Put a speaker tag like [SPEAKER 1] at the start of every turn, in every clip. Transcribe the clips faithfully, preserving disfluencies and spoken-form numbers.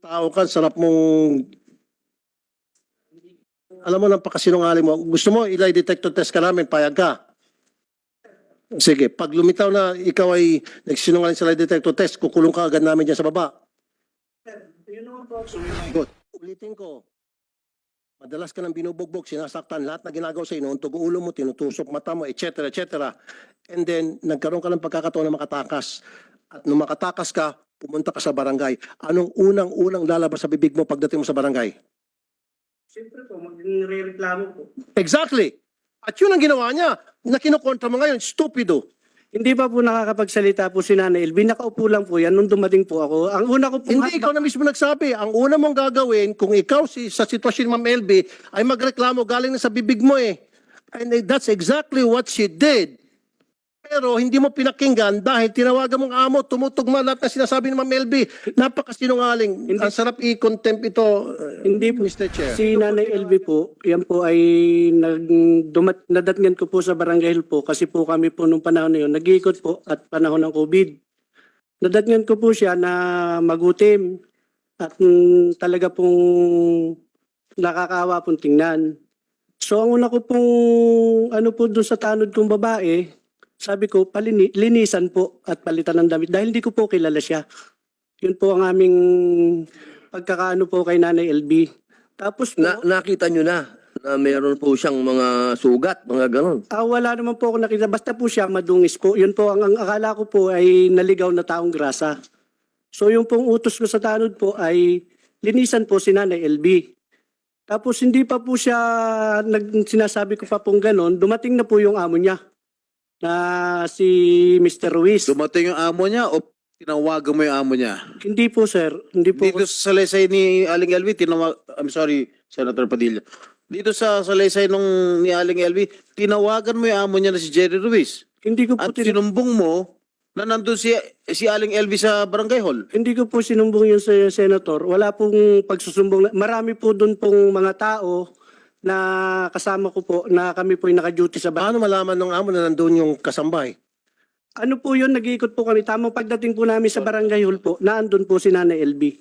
[SPEAKER 1] tao ka, sarap mong, alam mo, napakasinungaling mo. Gusto mo, ilay detector test ka namin, payag ka. Sige, pag lumitaw na ikaw ay nagsinungaling sa lie detector test, kukulong ka agad namin dyan sa baba. Good. Ulitin ko, madalas ka nang binubugbog, sinasaktan, lahat na ginagawa sa inuuntog ulo mo, tinutusok mata mo, et cetera, et cetera. And then, nagkaroon ka ng pagkakataon na makatakas. At nung makatakas ka, pumunta ka sa barangay. Anong unang-unang lalabas sa bibig mo pagdating mo sa barangay?
[SPEAKER 2] Siyempre po, magre-reklamo po.
[SPEAKER 1] Exactly. At yun ang ginawa niya, na kinukontra mo ngayon, stupido.
[SPEAKER 2] Hindi pa po nakakapagsalita po si Nanay Elvie. Nakaupo lang po yan nung dumating po ako. Ang una ko po...
[SPEAKER 1] Hindi, ikaw na mismo nagsabi. Ang una mong gagawin, kung ikaw si, sa sitwasyon ni Ma'am Elvie, ay magreklamo galing na sa bibig mo eh. And that's exactly what she did. Pero hindi mo pinakinggan dahil tinawagan mong amo, tumutugma lahat na sinasabi ni Ma'am Elvie. Napakasinungaling.
[SPEAKER 2] Hindi.
[SPEAKER 1] Ang sarap i-contempt ito, uh,
[SPEAKER 2] Hindi po.
[SPEAKER 1] Mister Chair.
[SPEAKER 2] Si Nanay Elvie po, yan po ay nag, dumat, nadatngan ko po sa barangay hall po kasi po kami po nung panahon na yun, nag-iikot po at panahon ng COVID. Nadatngan ko po siya na magutim at mm, talaga pong nakakaawa pong tingnan. So ang una ko pong ano po doon sa tanod kong babae, sabi ko palini, linisan po at palitan ng damit dahil hindi ko po kilala siya. Yun po ang aming pagkakaano po kay Nanay Elvie. Tapos po,
[SPEAKER 3] Na, nakita nyo na na mayroon po siyang mga sugat, mga ganon.
[SPEAKER 2] ah, wala naman po ako nakita. Basta po siya madungis po. Yun po, ang, ang akala ko po ay naligaw na taong grasa. So yung pong utos ko sa tanod po ay linisan po si Nanay Elvie. Tapos hindi pa po siya, nag, sinasabi ko pa pong ganon, dumating na po yung amo niya na si Mister Ruiz.
[SPEAKER 4] Dumating yung amo niya o tinawagan mo yung amo niya?
[SPEAKER 2] Hindi po sir, hindi po.
[SPEAKER 4] Dito sa salaysay ni Aling Elvie, tinawag, I'm sorry, Senator Padilla. Dito sa salaysay nung ni Aling Elvie, tinawagan mo yung amo niya na si Jerry Ruiz.
[SPEAKER 2] Hindi ko po
[SPEAKER 4] At
[SPEAKER 2] tin-
[SPEAKER 4] sinumbong mo na nandun si, si Aling Elvie sa barangay hall.
[SPEAKER 2] Hindi ko po sinumbong yun sa senator. Wala pong pagsusumbong. Marami po doon pong mga tao na kasama ko po na kami po yung naka-duty sa bahay.
[SPEAKER 1] Paano malaman ng amo na nandun yung kasambay?
[SPEAKER 2] Ano po yun, nag-iikot po kami. Tamang pagdating po namin sa barangay hall po, naandun po si Nanay Elvie.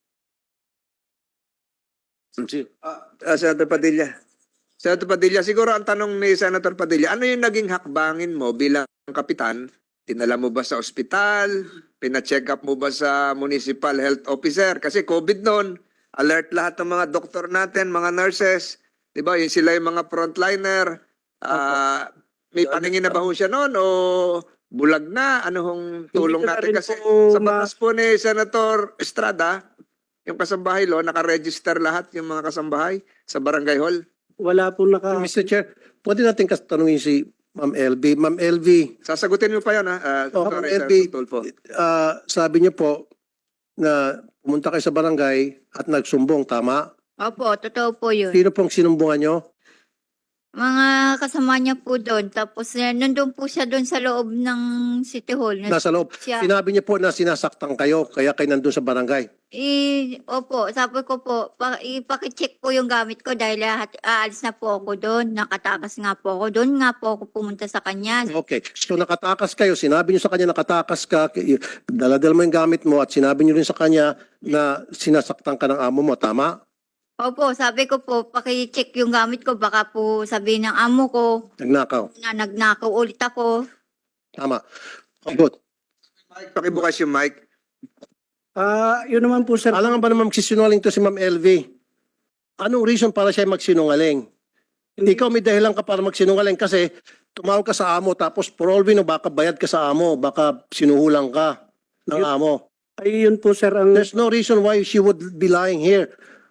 [SPEAKER 5] Ah, Senator Padilla. Senator Padilla, siguro ang tanong ni Senator Padilla, ano yung naging hakbangin mo bilang kapitan? Tinala mo ba sa ospital? Pina-check up mo ba sa municipal health officer? Kasi COVID noon, alert lahat ng mga doktor natin, mga nurses. Di ba? Yung sila yung mga frontliner. Ah, may paningin na ba ho siya noon o bulag na? Ano hong tulong
[SPEAKER 2] Hindi ko na
[SPEAKER 5] natin?
[SPEAKER 2] rin
[SPEAKER 5] Kasi
[SPEAKER 2] po
[SPEAKER 5] sa
[SPEAKER 2] ma-
[SPEAKER 5] batas po ni Senator Estrada, yung kasambahay lo, nakaregister lahat yung mga kasambahay sa barangay hall.
[SPEAKER 2] Wala po naka...
[SPEAKER 1] Mister Chair, pwede natin katanungin si Ma'am Elvie. Ma'am Elvie,
[SPEAKER 5] Sasagutin mo pa yun, ha? Uh,
[SPEAKER 1] Oh, Ma'am Elvie, ah, sabi niyo po na pumunta kayo sa barangay at nagsumbong, tama?
[SPEAKER 6] Opo, totoo po yun.
[SPEAKER 1] Sino pong sinumbungan niyo?
[SPEAKER 6] Mga kasama niya po doon. Tapos eh, nandun po siya doon sa loob ng City Hall. Na,
[SPEAKER 1] Nasa loob.
[SPEAKER 6] siya.
[SPEAKER 1] Sinabi niyo po na sinasaktan kayo, kaya kayo nandun sa barangay.
[SPEAKER 6] I, opo, sabi ko po, pa, ipakicheck po yung gamit ko dahil lahat, aalis na po ako doon. Nakatakas nga po ako doon. Nga po ako pumunta sa kanya.
[SPEAKER 1] Okay. So nakatakas kayo, sinabi niyo sa kanya nakatakas ka, k- daladal mo yung gamit mo at sinabi niyo rin sa kanya na sinasaktan ka ng amo mo, tama?
[SPEAKER 6] Opo, sabi ko po, pakicheck yung gamit ko. Baka po sabihin ng amo ko
[SPEAKER 1] Nagnakaw.
[SPEAKER 6] na nagnakaw ulit ako.
[SPEAKER 1] Tama. Okay, good.
[SPEAKER 5] Mike, pakibukas yung mic.
[SPEAKER 2] Ah, yun naman po sir.
[SPEAKER 1] Alam nga ba naman magsisinungaling to si Ma'am Elvie? Anong reason para siya magsinungaling? Hindi ikaw may dahilan ka para magsinungaling kasi tumawag ka sa amo tapos for all we know, baka bayad ka sa amo, baka sinuhulang ka ng
[SPEAKER 2] Yun-
[SPEAKER 1] amo.
[SPEAKER 2] Ay, yun po sir ang...
[SPEAKER 1] There's no reason why she would be lying here.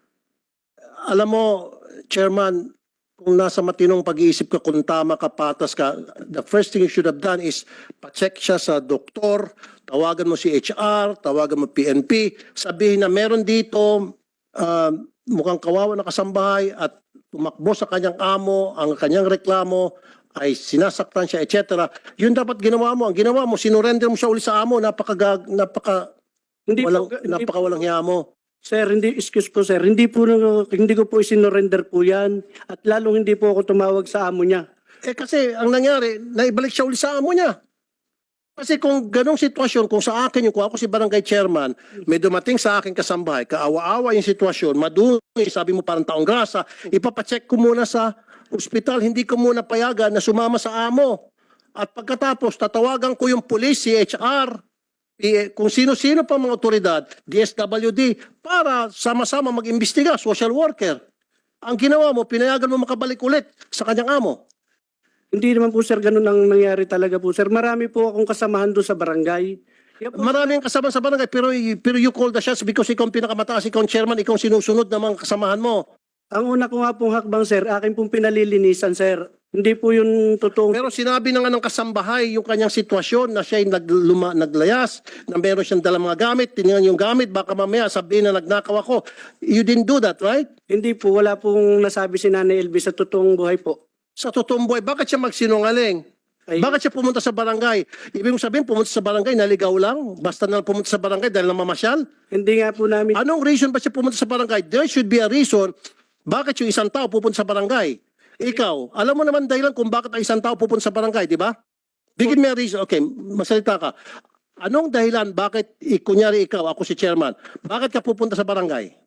[SPEAKER 1] Alam mo, Chairman, kung nasa matinong pag-iisip ka, kung tama ka, patas ka, the first thing you should have done is pa-check siya sa doktor, tawagan mo si H R, tawagan mo P N P, sabihin na meron dito, uh, mukhang kawawa na kasambahay at tumakbo sa kanyang amo, ang kanyang reklamo ay sinasaktan siya, et cetera. Yun dapat ginawa mo. Ang ginawa mo, sinurrender mo siya uli sa amo, napaka, napaka,
[SPEAKER 2] Hindi
[SPEAKER 1] walang,
[SPEAKER 2] po, hindi
[SPEAKER 1] napaka walang hiya mo.
[SPEAKER 2] Sir, hindi, excuse po sir, hindi po, hindi ko po isinorender po yan. At lalong hindi po ako tumawag sa amo niya.
[SPEAKER 1] Eh kasi ang nangyari, naibalik siya uli sa amo niya. Kasi kung ganong sitwasyon, kung sa akin yung, kung ako si barangay chairman, may dumating sa akin kasambahay, kaawa-awa yung sitwasyon, madumi, sabi mo parang taong grasa, ipapacheck ko muna sa ospital, hindi ko muna payagan na sumama sa amo. At pagkatapos, tatawagan ko yung police, C H R, P- kung sino-sino pa mga otoridad, D S W D, para sama-sama mag-imbestiga, social worker. Ang ginawa mo, pinayagan mo makabalik ulit sa kanyang amo.
[SPEAKER 2] Hindi naman po sir ganun ang nangyari talaga po sir. Marami po akong kasamahan doon sa barangay. Yan po,
[SPEAKER 1] Maraming kasama sa barangay, pero, pero you call the shots because ikaw ang pinakamataas, ikaw ang chairman, ikaw ang sinusunod ng mga kasamahan mo.
[SPEAKER 2] ang una ko nga pong hakbang sir, akin pong pinalilinisan sir. Hindi po yung totoong...
[SPEAKER 1] Pero sinabi na nga ng kasambahay yung kanyang sitwasyon na siya ay nagluma, naglayas, na meron siyang dalang mga gamit, tinignan yung gamit, baka mamaya sabihin na nagnakaw ako. You didn't do that, right?
[SPEAKER 2] Hindi po, wala pong nasabi si Nanay Elby sa totoong buhay po.
[SPEAKER 1] Sa totoong buhay, bakit siya magsinungaling?
[SPEAKER 2] Ay,
[SPEAKER 1] Bakit siya pumunta sa barangay? Ibig mong sabihin, pumunta sa barangay, naligaw lang? Basta na lang pumunta sa barangay dahil namamasyal?
[SPEAKER 2] Hindi nga po namin...
[SPEAKER 1] Anong reason ba siya pumunta sa barangay? There should be a reason bakit yung isang tao pupunta sa barangay. Ikaw, alam mo naman dahilan kung bakit ang isang tao pupunta sa barangay, di ba? Bigyan mo a reason. Okay, masalita ka. Anong dahilan bakit, i- kunyari ikaw, ako si chairman, bakit ka pupunta sa barangay?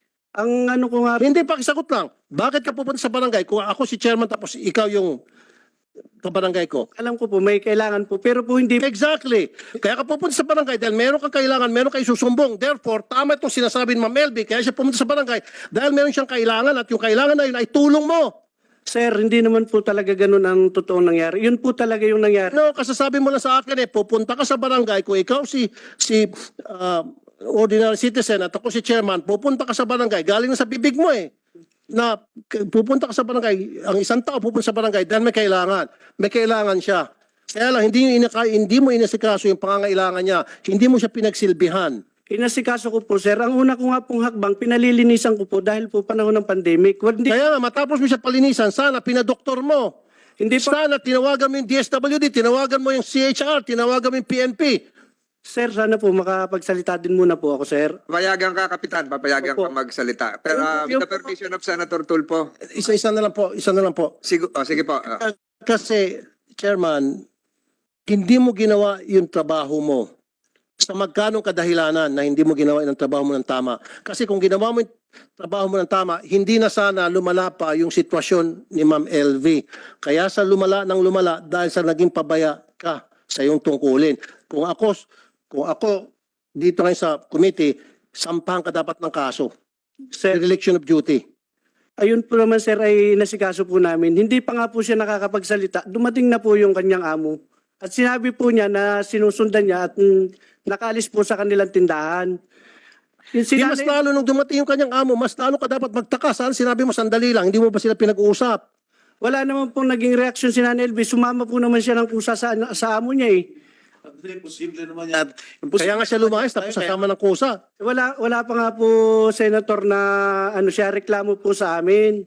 [SPEAKER 2] Ang ano ko nga...
[SPEAKER 1] Hindi, pakisagot lang. Bakit ka pupunta sa barangay kung ako si chairman tapos ikaw yung kabarangay ko?
[SPEAKER 2] Alam ko po, may kailangan po. Pero po hindi...
[SPEAKER 1] Exactly. Kaya ka pupunta sa barangay dahil meron kang kailangan, meron kang isusumbong. Therefore, tama itong sinasabi ni Ma'am Elby, kaya siya pumunta sa barangay dahil meron siyang kailangan at yung kailangan na yun ay tulong mo.
[SPEAKER 2] Sir, hindi naman po talaga ganun ang totoong nangyari. Yun po talaga yung nangyari.
[SPEAKER 1] No, kasasabi mo lang sa akin eh, pupunta ka sa barangay, kung ikaw si, si ah, ordinary citizen at ako si chairman, pupunta ka sa barangay, galing na sa bibig mo eh. Na k- pupunta ka sa barangay, ang isang tao pupunta sa barangay dahil may kailangan. May kailangan siya. Kaya lang, hindi, inaka, hindi mo inasikaso yung pangangailangan niya. Hindi mo siya pinagsilbihan.
[SPEAKER 2] Inasikaso ko po, sir. Ang una ko nga pong hakbang, pinalilinisan ko po dahil po panahon ng pandemic. Hindi,
[SPEAKER 1] Kaya nga, matapos mo siya palinisan, sana pinadoktor mo.
[SPEAKER 2] hindi po,
[SPEAKER 1] Sana tinawagan mo yung D S W D, tinawagan mo yung C H R, tinawagan mo yung P N P.
[SPEAKER 2] sir, sana po makapagsalita din muna po ako, sir.
[SPEAKER 5] Papayagan ka, Kapitan. Papayagan
[SPEAKER 2] Opo.
[SPEAKER 5] ka magsalita. Pero uh, with
[SPEAKER 2] Yung-
[SPEAKER 5] the permission of Senator Tulfo.
[SPEAKER 1] Isa-isa na lang po, isa na lang po.
[SPEAKER 5] Sigo, oh, sige po. Ah.
[SPEAKER 1] Kasi, Chairman, hindi mo ginawa yung trabaho mo sa magkanong kadahilanan na hindi mo ginawa yung trabaho mo ng tama. Kasi kung ginawa mo yung trabaho mo ng tama, hindi na sana lumala pa yung sitwasyon ni Ma'am L V. Kaya sa lumala ng lumala dahil sa naging pabaya ka sa iyong tungkulin. Kung ako, kung ako dito ngayon sa committee, sampahan ka dapat ng kaso.
[SPEAKER 2] Sir,
[SPEAKER 1] Dereliction of duty.
[SPEAKER 2] ayun po naman, sir, ay nasikaso po namin. Hindi pa nga po siya nakakapagsalita. Dumating na po yung kanyang amo. At sinabi po niya na sinusundan niya at mm, nakaalis po sa kanilang tindahan. Yung
[SPEAKER 1] Di mas
[SPEAKER 2] sinanay-
[SPEAKER 1] lalo nung dumating yung kanyang amo, mas lalo ka dapat magtaka. Saan sinabi mo sandali lang, hindi mo ba sila pinag-uusap?
[SPEAKER 2] Wala naman pong naging reaksyon si Nanay Elby. Sumama po naman siya ng kusa sa, sa amo niya eh.
[SPEAKER 4] Imposible naman yan.
[SPEAKER 1] Kaya nga siya lumayas tapos sasama ng kusa.
[SPEAKER 2] Wala, wala pa nga po, Senator, na ano siya, reklamo po sa amin.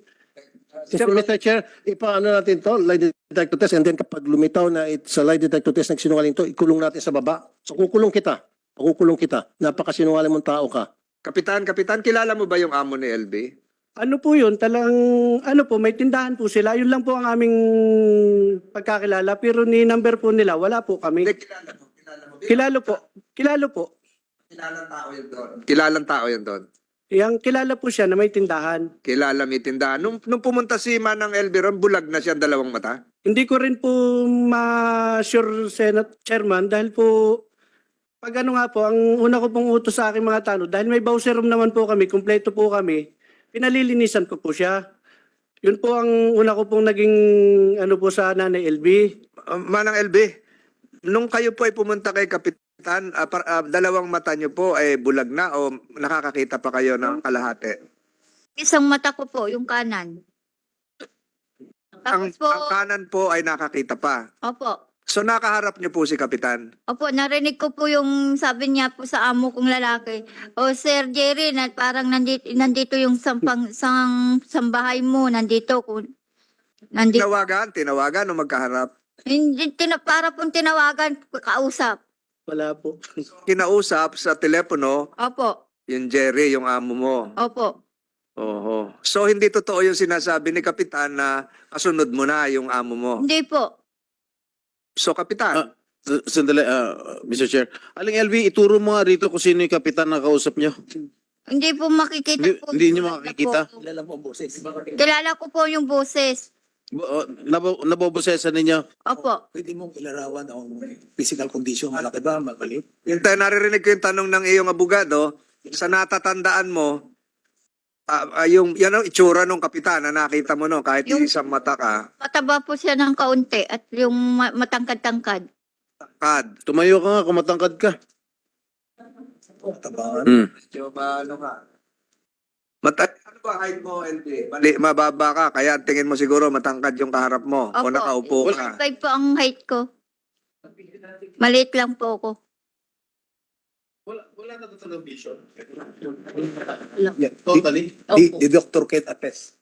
[SPEAKER 1] Mister Chair, ipaano natin to, lie detector test, and then kapag lumitaw na it, sa lie detector test nagsinungaling to, ikulong natin sa baba. So kukulong kita, kukulong kita. Napakasinungaling mong tao ka.
[SPEAKER 5] Kapitan, Kapitan, kilala mo ba yung amo ni L B?
[SPEAKER 2] Ano po yun? Talang, ano po, may tindahan po sila. Yun lang po ang aming pagkakilala. Pero ni number po nila, wala po kami.
[SPEAKER 5] Hindi, kilala mo. Kilala mo.
[SPEAKER 2] Kilalo po. Kilalo po.
[SPEAKER 5] Kilalang tao yun doon. Kilalang tao yun doon.
[SPEAKER 2] Yang kilala po siya na may tindahan.
[SPEAKER 5] Kilala may tindahan. Nung, nung pumunta si Manang L B ron, bulag na siya ang dalawang mata.
[SPEAKER 2] Hindi ko rin po ma-sure, Senate Chairman, dahil po, pag ano nga po, ang una ko pong utos sa aking mga tanong, dahil may bowser room naman po kami, kumpleto po kami, pinalilinisan ko po siya. Yun po ang una ko pong naging ano po sa Nanay L B.
[SPEAKER 5] Uh, Manang L B, nung kayo po ay pumunta kay Kapitan, ah, par- ah, dalawang mata niyo po ay bulag na o nakakakita pa kayo ng kalahati?
[SPEAKER 6] Isang mata ko po, yung kanan.
[SPEAKER 5] Ang,
[SPEAKER 6] Tapos po,
[SPEAKER 5] ang kanan po ay nakakita pa.
[SPEAKER 6] opo.
[SPEAKER 5] So nakaharap niyo po si Kapitan.
[SPEAKER 6] Opo, narinig ko po yung sabi niya po sa amo kong lalaki. O Sir Jerry, na parang nandito, nandito yung sampang, sang, sambahay mo, nandito. Kung, nandito.
[SPEAKER 5] Tinawagan, tinawagan o magkaharap.
[SPEAKER 6] Hindi, tina, para pong tinawagan, kausap.
[SPEAKER 2] Wala po.
[SPEAKER 5] Kinausap sa telepono
[SPEAKER 6] Opo,
[SPEAKER 5] yung Jerry, yung amo mo.
[SPEAKER 6] opo.
[SPEAKER 5] Oho. So hindi totoo yung sinasabi ni Kapitan na kasunod mo na yung amo mo.
[SPEAKER 6] Hindi po.
[SPEAKER 5] So Kapitan,
[SPEAKER 4] Ah. S- Sandali, ah, Mister Chair. Aling L V, ituro mo nga rito kung sino yung kapitan na kausap nyo.
[SPEAKER 6] Hindi po makikita
[SPEAKER 4] Hindi-
[SPEAKER 6] po.
[SPEAKER 4] hindi niyo
[SPEAKER 6] Kilala
[SPEAKER 4] makikita?
[SPEAKER 6] po. Kilala ko po yung boses.
[SPEAKER 4] Bo- oh, Nabo, nabobosesan ninyo.
[SPEAKER 6] Opo.
[SPEAKER 7] Pwede mong ilarawan ang physical condition, malaki ba, mabalik?
[SPEAKER 5] Yung tayo naririnig ko yung tanong ng iyong abogado, sa natatandaan mo, ah, ah, yung, yan ang itsura ng kapitan na nakita mo no, kahit
[SPEAKER 6] Yung-
[SPEAKER 5] isang mata ka,
[SPEAKER 6] Mataba po siya ng kaunti at yung ma- matangkad-tangkad.
[SPEAKER 5] kad.
[SPEAKER 4] Tumayo ka nga, kumatangkad ka.
[SPEAKER 7] Tabangan.
[SPEAKER 4] Hmm.
[SPEAKER 5] Medyo ano ka? Mata ano ba height mo, L P? Mali, mababa ka, kaya ang tingin mo siguro matangkad yung kaharap mo o
[SPEAKER 6] Opo.
[SPEAKER 5] nakaupo ka.
[SPEAKER 6] five po ang height ko. Maliit lang po ako.
[SPEAKER 4] Wala, wala na talagang vision.
[SPEAKER 6] Wala.
[SPEAKER 7] Yeah.
[SPEAKER 4] Totally.
[SPEAKER 7] Di, di Doctor Kate Apes.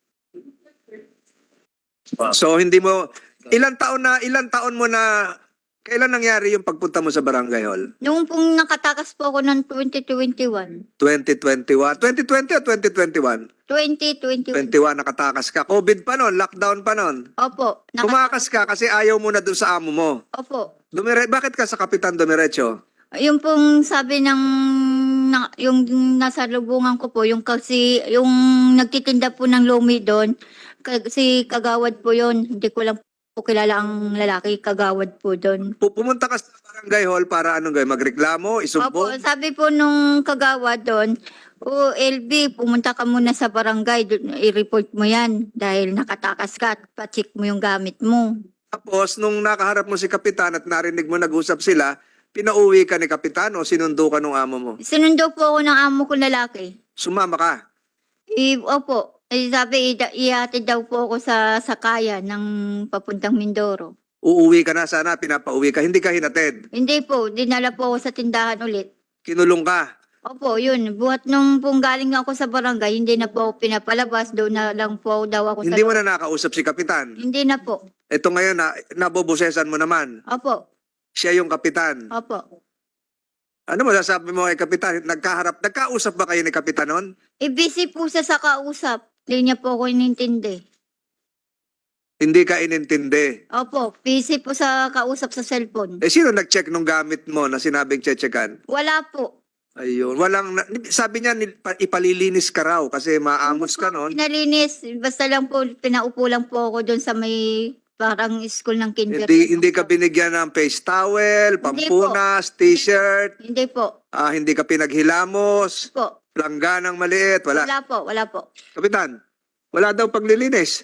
[SPEAKER 5] So hindi mo, ilang taon na, ilang taon mo na, kailan nangyari yung pagpunta mo sa Barangay Hall?
[SPEAKER 6] Noong pong nakatakas po ako ng twenty twenty-one.
[SPEAKER 5] twenty twenty-one? twenty twenty o twenty twenty-one?
[SPEAKER 6] twenty twenty-one.
[SPEAKER 5] twenty-one nakatakas ka. COVID pa noon, lockdown pa noon.
[SPEAKER 6] Opo. Naka-
[SPEAKER 5] Tumakas ka kasi ayaw mo na doon sa amo mo.
[SPEAKER 6] Opo.
[SPEAKER 5] Dumire bakit ka sa Kapitan Dumiretso?
[SPEAKER 6] Yung pong sabi ng na, yung nasa lubungan ko po, yung kasi yung nagtitinda po ng lumi doon, ka- si Kagawad po yon. Hindi ko lang po kilala ang lalaki, Kagawad po doon.
[SPEAKER 5] Pu- Pumunta ka sa Barangay Hall para anong gawin? Magreklamo?
[SPEAKER 6] Opo,
[SPEAKER 5] Isumbong?
[SPEAKER 6] sabi po nung Kagawad doon, o L B, pumunta ka muna sa barangay, dun- i-report mo yan dahil nakatakas ka at pa-check mo yung gamit mo.
[SPEAKER 5] Tapos, nung nakaharap mo si Kapitan at narinig mo nag-usap sila, pinauwi ka ni Kapitan o sinundo ka nung amo mo?
[SPEAKER 6] Sinundo po ako ng amo ko lalaki.
[SPEAKER 5] Sumama ka.
[SPEAKER 6] I, opo, eh, sabi, ida- ihatid daw po ako sa sakaya ng papuntang Mindoro.
[SPEAKER 5] Uuwi ka na sana, pinapauwi ka. Hindi ka hinatid.
[SPEAKER 6] Hindi po, dinala po ako sa tindahan ulit.
[SPEAKER 5] Kinulong ka.
[SPEAKER 6] Opo, yun. Buhat nung pong galing ako sa barangay, hindi na po ako pinapalabas. Doon na lang po daw ako
[SPEAKER 5] Hindi
[SPEAKER 6] sa...
[SPEAKER 5] mo na nakausap si Kapitan.
[SPEAKER 6] Hindi na po.
[SPEAKER 5] Ito ngayon, na, nabobosesan mo naman.
[SPEAKER 6] Opo,
[SPEAKER 5] Siya yung Kapitan.
[SPEAKER 6] opo.
[SPEAKER 5] Ano mo sasabi mo kay Kapitan? Nagkaharap, nagkausap ba kayo ni Kapitan noon?
[SPEAKER 6] E busy po siya sa kausap. Hindi niya po ako inintindi.
[SPEAKER 5] Hindi ka inintindi.
[SPEAKER 6] Opo, busy po sa kausap sa cellphone.
[SPEAKER 5] Eh, sino nag-check nung gamit mo na sinabing checkan?
[SPEAKER 6] Wala po.
[SPEAKER 5] Ayun. Walang, na- sabi niya, nil- pa- ipalilinis ka raw kasi maamos ka noon.
[SPEAKER 6] Pinalinis. Basta lang po, pinaupo lang po ako doon sa may parang school ng kinder.
[SPEAKER 5] Hindi, hindi ka binigyan ng face towel,
[SPEAKER 6] Hindi po.
[SPEAKER 5] pampunas, t-shirt,
[SPEAKER 6] Hindi po.
[SPEAKER 5] ah, hindi ka pinaghilamos,
[SPEAKER 6] Po.
[SPEAKER 5] langganang maliit, wala.
[SPEAKER 6] Wala po, wala po.
[SPEAKER 5] Kapitan, wala daw paglilinis.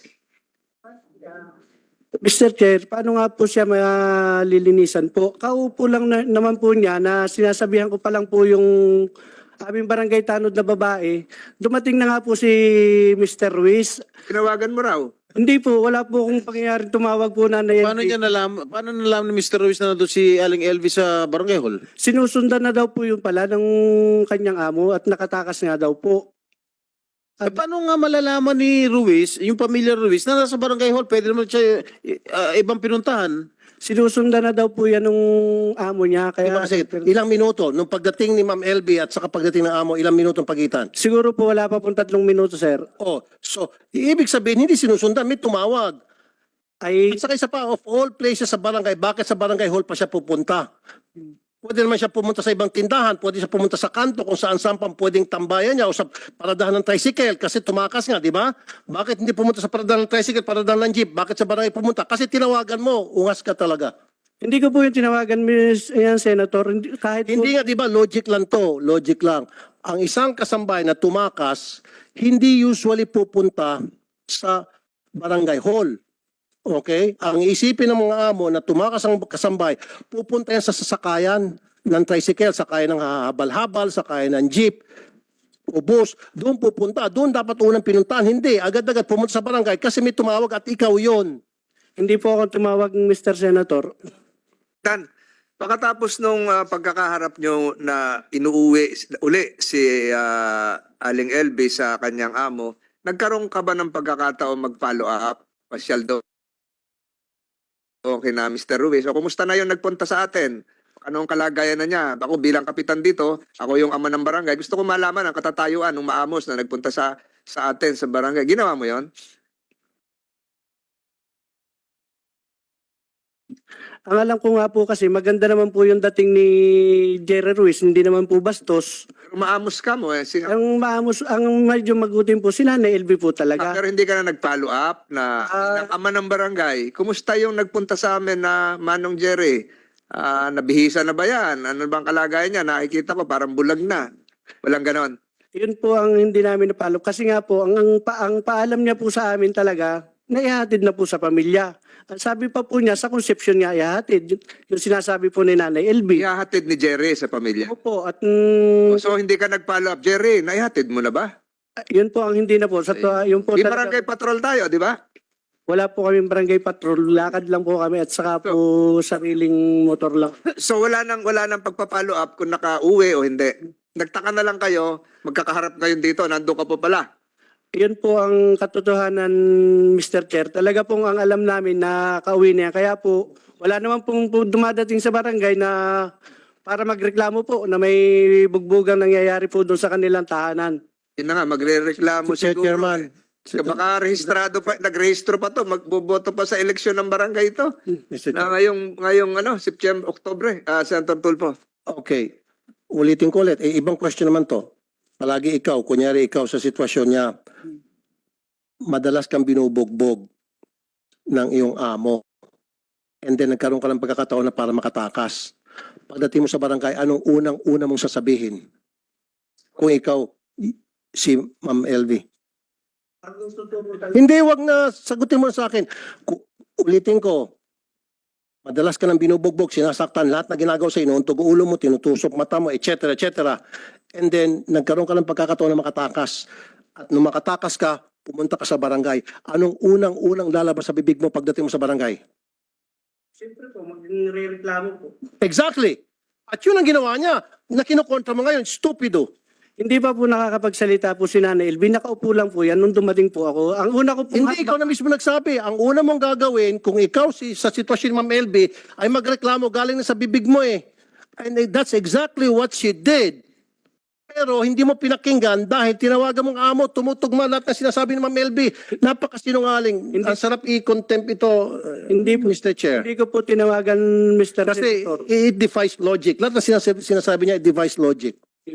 [SPEAKER 2] Mister Chair, paano nga po siya malilinisan po? Kaupo lang na, naman po niya na sinasabihan ko pa lang po yung aming barangay tanod na babae. Dumating na nga po si Mister Ruiz.
[SPEAKER 5] Tinawagan mo raw.
[SPEAKER 2] Hindi po, wala po kung pangyayaring tumawag po na na
[SPEAKER 4] Paano niya nalaman, paano nalaman ni Mister Ruiz na nandun si Aling L V sa Barangay Hall?
[SPEAKER 2] Sinusundan na daw po yung pala ng kanyang amo at nakatakas nga daw po.
[SPEAKER 4] Eh, paano nga malalaman ni Ruiz, yung pamilya Ruiz, na nasa Barangay Hall, pwede naman siya uh, ibang pinuntahan?
[SPEAKER 2] Sinusundan na daw po yan ng amo niya. Kaya,
[SPEAKER 1] Diba kasi ilang minuto, nung pagdating ni Ma'am L B at saka pagdating ng amo, ilang minuto ang pagitan?
[SPEAKER 2] siguro po wala pa pong tatlong minuto, sir.
[SPEAKER 1] Oh, so, ibig sabihin, hindi sinusundan, may tumawag.
[SPEAKER 2] Ay,
[SPEAKER 1] At saka isa pa, of all places sa barangay, bakit sa barangay hall pa siya pupunta? Pwede naman siya pumunta sa ibang tindahan, pwede siya pumunta sa kanto kung saan saan pang pwedeng tambayan niya o sa paradahan ng tricycle kasi tumakas nga, di ba? Bakit hindi pumunta sa paradahan ng tricycle, paradahan ng jeep? Bakit sa barangay pumunta? Kasi tinawagan mo, ungas ka talaga.
[SPEAKER 2] hindi ko po yung tinawagan, Miss yan, Senator. Hindi, kahit po,
[SPEAKER 1] Hindi nga, di ba, logic lang to, logic lang. Ang isang kasambay na tumakas, hindi usually pupunta sa barangay hall. Okay? Ang isipin ng mga amo na tumakas ang kasambay, pupunta yan sa sasakayan ng tricycle, sakayan ng habal-habal, sakayan ng jeep, o bus, doon pupunta. Doon dapat unang pinuntahan. Hindi, agad-agad pumunta sa barangay kasi may tumawag at ikaw yon.
[SPEAKER 2] hindi po ako tumawag, Mister Senator.
[SPEAKER 5] Dan, pagkatapos nung ah, pagkakaharap nyo na inuuwi uli si ah, Aling L B sa kanyang amo, nagkaroon ka ba ng pagkakataon mag-follow up? Pasyal daw. Okay na, Mister Ruiz. O, kumusta na yung nagpunta sa atin? Anong kalagayan na niya? Ako bilang kapitan dito, ako yung ama ng barangay. Gusto ko malaman ang katatayuan ng maamos na nagpunta sa sa atin sa barangay. Ginawa mo yon?
[SPEAKER 2] Ang alam ko nga po kasi maganda naman po yung dating ni Jerry Ruiz, hindi naman po bastos.
[SPEAKER 5] Pero maamos ka mo eh. Si,
[SPEAKER 2] Ang maamos, ang medyo magutin po si Nanay L B po
[SPEAKER 5] Ah,
[SPEAKER 2] talaga.
[SPEAKER 5] pero hindi ka na nag-follow up na
[SPEAKER 2] Ah.
[SPEAKER 5] ng ama ng barangay. Kumusta yung nagpunta sa amin na Manong Jerry? Ah, nabihisa na ba yan? Ano bang kalagayan niya? Nakikita ko parang bulag na. Walang ganon.
[SPEAKER 2] Yun po ang hindi namin napalo. Kasi nga po, ang, ang, pa, ang paalam niya po sa amin talaga, naihatid na po sa pamilya. Ang sabi pa po niya, sa conception niya, ihatid. Yung, yung sinasabi po ni Nanay L B.
[SPEAKER 5] Ihahatid ni Jerry sa pamilya.
[SPEAKER 2] Opo, at mm,
[SPEAKER 5] So hindi ka nag-follow up. Jerry, naihatid mo na ba?
[SPEAKER 2] yun po ang hindi na po. Sa, yun po
[SPEAKER 5] Di
[SPEAKER 2] talaga-
[SPEAKER 5] barangay patrol tayo, di ba?
[SPEAKER 2] Wala po kaming barangay patrol, lakad lang po kami at saka po sariling motor lang.
[SPEAKER 5] So wala nang wala nang pagpa-follow up kung naka-uwi o hindi. Nagtaka na lang kayo, magkakaharap kayo dito, nandoon ka po pala.
[SPEAKER 2] Yun po ang katotohanan, Mister Chair. Talaga pong ang alam namin na kauwi niya. Kaya po, wala naman pong po dumadating sa barangay na para magreklamo po na may bugbugang nangyayari po doon sa kanilang tahanan.
[SPEAKER 5] Yun na nga, magre-reklamo
[SPEAKER 1] Mister
[SPEAKER 5] siguro.
[SPEAKER 1] Chairman,
[SPEAKER 5] Kaya baka rehistrado pa, nagrehistro pa to, magboboto pa sa eleksyon ng barangay ito.
[SPEAKER 1] Mister
[SPEAKER 5] Na
[SPEAKER 1] Chair.
[SPEAKER 5] ngayong, ngayong ano, September, Oktobre, ah Senator Tulfo.
[SPEAKER 1] Okay. Ulitin ko ulit. Eh, ibang question naman to. Palagi ikaw, kunyari ikaw sa sitwasyon niya, madalas kang binubogbog ng iyong amo. And then nagkaroon ka ng pagkakataon na para makatakas. Pagdating mo sa barangay, anong unang-una mong sasabihin? Kung ikaw, si Ma'am L V. Hindi, wag na sagutin mo na sa akin. Ku- Ulitin ko, madalas ka nang binubogbog, sinasaktan, lahat na ginagawa sa inuuntog ulo mo, tinutusok mata mo, et cetera, et cetera. And then, nagkaroon ka ng pagkakataon na makatakas. At nung makatakas ka, pumunta ka sa barangay. Anong unang-unang lalabas sa bibig mo pagdating mo sa barangay?
[SPEAKER 2] Siyempre po, magre-reklamo po.
[SPEAKER 1] Exactly. At yun ang ginawa niya. Na kinukontra mo ngayon, stupido.
[SPEAKER 2] Hindi pa po nakakapagsalita po si Nanay L B. Nakaupo lang po yan nung dumating po ako. Ang una ko po...
[SPEAKER 1] Hindi ikaw na mismo nagsabi. Ang una mong gagawin, kung ikaw si, sa sitwasyon ni Ma'am L B, ay magreklamo galing na sa bibig mo eh. And that's exactly what she did. Pero hindi mo pinakinggan dahil tinawagan mong amo, tumutugma lahat na sinasabi ni Ma'am L B. Napakasinungaling. Ang sarap i-contempt ito, uh,
[SPEAKER 2] Hindi po,
[SPEAKER 1] Mister Chair.
[SPEAKER 2] hindi ko po tinawagan, Mister
[SPEAKER 1] Kasi
[SPEAKER 2] Senator.
[SPEAKER 1] it defies logic. Lahat na sinasabi, sinasabi niya, it defies logic.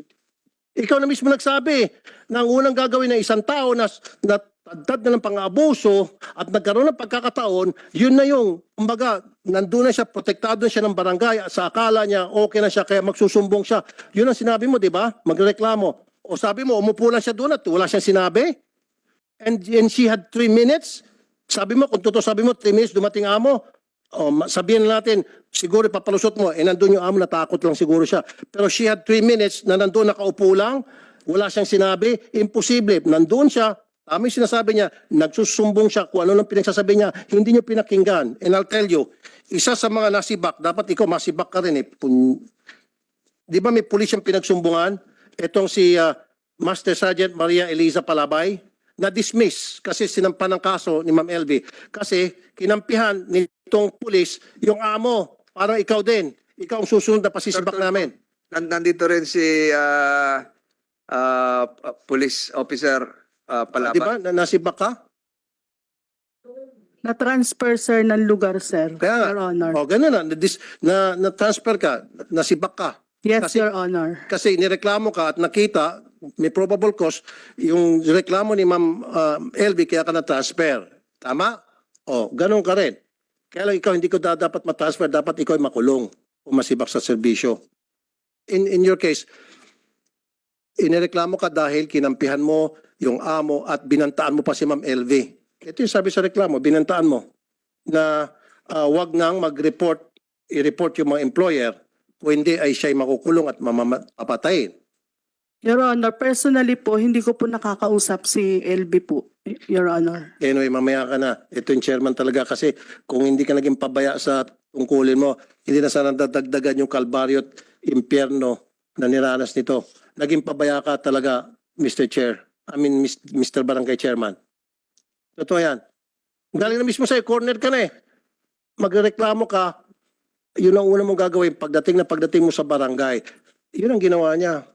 [SPEAKER 1] Ikaw na mismo nagsabi na ang unang gagawin ng isang tao na natagdad na ng pang-abuso at nagkaroon ng pagkakataon, yun na yung, kumbaga, nandun na siya, protektado na siya ng barangay, sa akala niya, okay na siya, kaya magsusumbong siya. Yun ang sinabi mo, di ba? Magreklamo. O sabi mo, umupo lang siya doon at wala siyang sinabi? And, and she had three minutes? Sabi mo, kung totoo sabi mo, three minutes, dumating amo, o ma- sabihin natin, siguro papalusot mo, eh nandun yung amo, natakot lang siguro siya. Pero she had three minutes na nandun nakaupo lang, wala siyang sinabi, imposible. Nandun siya, tama yung sinasabi niya, nagsusumbong siya kung ano nang pinagsasabi niya, hindi niyo pinakinggan. And I'll tell you, isa sa mga nasibak, dapat ikaw masibak ka rin eh. Pun- Di ba may pulis yung pinagsumbungan? Itong si ah, Master Sergeant Maria Eliza Palabay, na-dismiss kasi sinampan ng kaso ni Ma'am L V. Kasi kinampihan nitong pulis yung amo. Parang ikaw din. Ikaw ang susunod na pasisibak namin.
[SPEAKER 5] Nan- Nandito rin si ah ah, police officer ah, Palapa.
[SPEAKER 1] Di ba? Na nasibak ka?
[SPEAKER 8] Na-transfer, sir, ng lugar, sir.
[SPEAKER 1] Kaya nga.
[SPEAKER 8] Your Honor.
[SPEAKER 1] O, ganun na. Na-dis- Na, na-transfer ka. Nasibak ka.
[SPEAKER 8] Yes,
[SPEAKER 1] kasi-
[SPEAKER 8] Your Honor.
[SPEAKER 1] Kasi nireklamo ka at nakita, may probable cause, yung reklamo ni Ma'am uh, L B kaya ka na-transfer. Tama? O, ganun ka rin. Kaya lang ikaw hindi ko da- dapat ma-transfer, dapat ikaw ay makulong o masibak sa serbisyo. In, in your case, inireklamo ka dahil kinampihan mo yung amo at binantaan mo pa si Ma'am L V. Ito yung sabi sa reklamo, binantaan mo na uh, wag nang mag-report, i-report yung mga employer kung hindi ay siya'y makukulong at mamapatayin.
[SPEAKER 8] Your Honor, personally po, hindi ko po nakakausap si L B po, Your Honor.
[SPEAKER 1] Anyway, mamaya ka na. Ito yung chairman talaga kasi kung hindi ka naging pabaya sa tungkulin mo, hindi na sana dadagdagan yung kalbaryo at impyerno na niranas nito. Naging pabaya ka talaga, Mister Chair. I mean, Mister Barangay Chairman. Totoo yan. Galing na mismo sa'yo, corner ka na eh. Magreklamo ka, yun ang una mong gagawin pagdating na pagdating mo sa barangay. Yun ang ginawa niya.